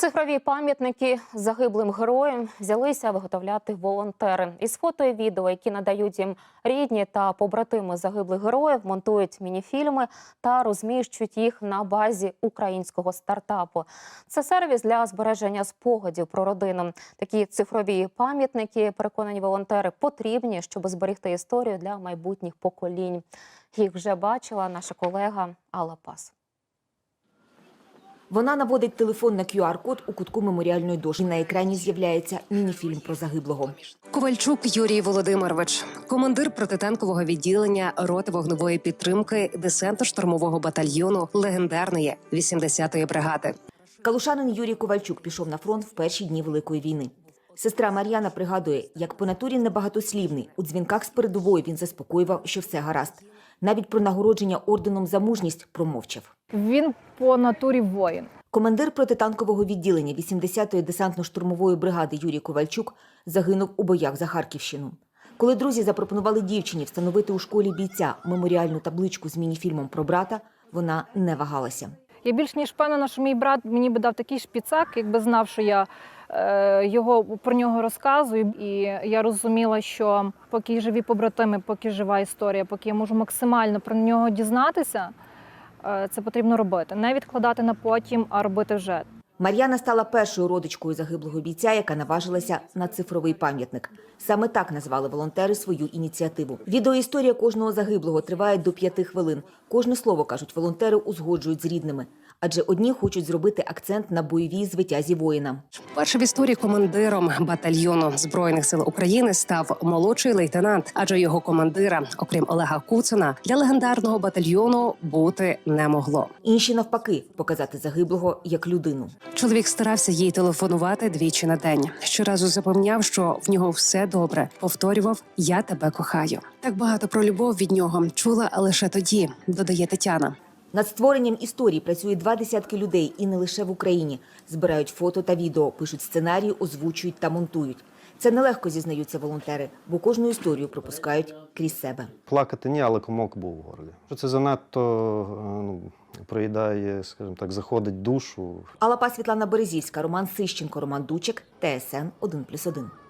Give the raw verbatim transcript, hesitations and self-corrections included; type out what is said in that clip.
Цифрові пам'ятники загиблим героям взялися виготовляти волонтери. Із фото і відео, які надають їм рідні та побратими загиблих героїв, монтують мініфільми та розміщують їх на базі українського стартапу. Це сервіс для збереження спогадів про родину. Такі цифрові пам'ятники, переконані волонтери, потрібні, щоб зберегти історію для майбутніх поколінь. Їх вже бачила наша колега Алла Пас. Вона наводить телефон на кю ар-код у кутку меморіальної дошки. На екрані з'являється мініфільм про загиблого. Ковальчук Юрій Володимирович, командир протитанкового відділення роти вогневої підтримки десантно-штурмового батальйону легендарної вісімдесятої бригади. Калушанин Юрій Ковальчук пішов на фронт в перші дні Великої війни. Сестра Мар'яна пригадує, як по натурі небагатослівний. У дзвінках з передової він заспокоював, що все гаразд. Навіть про нагородження орденом за мужність промовчав. Він по натурі воїн. Командир протитанкового відділення вісімдесятої десантно-штурмової бригади Юрій Ковальчук загинув у боях за Харківщину. Коли друзі запропонували дівчині встановити у школі бійця меморіальну табличку з мініфільмом про брата, вона не вагалася. Я більш ніж впевнена, що мій брат мені би дав такий шпіцак, якби знав, що я е, його, про нього розказую. І я розуміла, що поки живі побратими, поки жива історія, поки я можу максимально про нього дізнатися, е, це потрібно робити. Не відкладати на потім, а робити вже. Мар'яна стала першою родичкою загиблого бійця, яка наважилася на цифровий пам'ятник. Саме так назвали волонтери свою ініціативу. Відеоісторія кожного загиблого триває до п'яти хвилин. Кожне слово, кажуть волонтери, узгоджують з рідними. Адже одні хочуть зробити акцент на бойовій звитязі воїна. Першим в історії командиром батальйону Збройних сил України став молодший лейтенант, адже його командира, окрім Олега Куцина, для легендарного батальйону бути не могло. Інші навпаки – показати загиблого як людину. Чоловік старався їй телефонувати двічі на день. Щоразу запевняв, що в нього все добре. Повторював «Я тебе кохаю». Так багато про любов від нього чула лише тоді, додає Тетяна. Над створенням історії працює два десятки людей і не лише в Україні. Збирають фото та відео, пишуть сценарії, озвучують та монтують. Це нелегко, зізнаються волонтери, бо кожну історію пропускають крізь себе. Плакати ні, але комок був у горлі. Це занадто ну, проїдає, скажімо так, заходить душу. Алла Пас, Світлана Березівська, Роман Сищенко, Роман Дучик, Т С Н один плюс один.